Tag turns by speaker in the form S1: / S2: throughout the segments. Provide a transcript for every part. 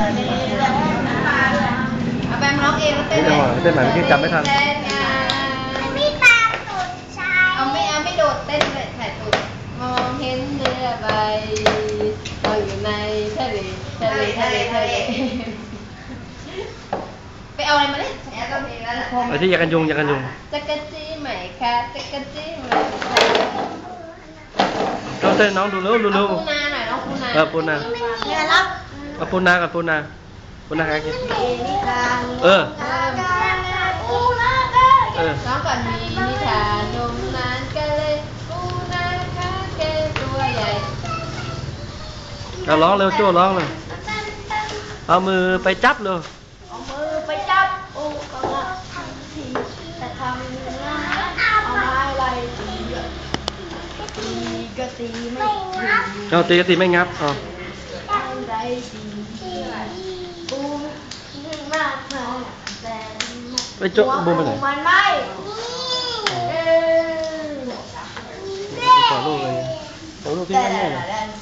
S1: เอาแบมร้องเองแล้วเต้น
S2: นี่จังหวะเต้นใหม่เมื่อกี้จำไม่ทัน
S3: ไม่ตามตูดชาย
S1: เอาไม่โดดเต้นเลยถ่ายตูดมองเห็นเรือใบลอยอยู่ในทะเลไปเอาอะไรมาเล่นแอบก็มีแล้ว
S2: ไอ้ที่อยากกันยุง
S1: จักรจี้ใหม่ค่ะจักรจี้ใหม่ค่ะ
S2: เราเต้นน้องดูเร็ว
S1: เอาปูนาหน่อยน้องปูนา
S2: ปูนา
S3: เนี่ยรับ
S2: เอาปูนากับปูนาใครกิน
S3: นิทาน
S2: เออ
S3: ปูนาเออ
S1: น้องก่อนมีนิทานนมนานกันเลยปูนาค่ะแกตัวใหญ่
S2: เอาร้องเร็วโจ้ร้องเลยเอามือไปจับเลย
S3: เอามือไปจับปูกระลักทันทีแต่ทำเนื้อเอาไม้ไล่ตีตีก็ตีไม่ถึง
S2: เอาตีก็ตีไม่งับเอา
S3: ไรตีปูนึ่งมากมายแต่
S2: ไปโจ้บูมไปไหน
S3: มันไม่เออ
S2: ขอลูกเลยขอลูกที่นั่นเนี่ย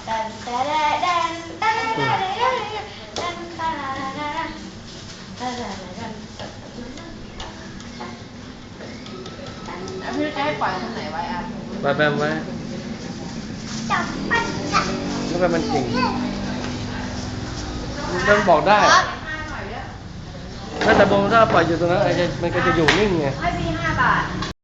S1: พี่จะให้ปล่อยทางไหนไว้อ่ะ
S2: ไปแบมไว้
S3: จับปันจับ
S2: แล้วก็มันเก่งมันบอกได้ถ้าแต่บงถ้าปล่อยอยู่ตรงนั้นมันก็จะอยู่นิ่งไง
S1: ให้พี่5 บาท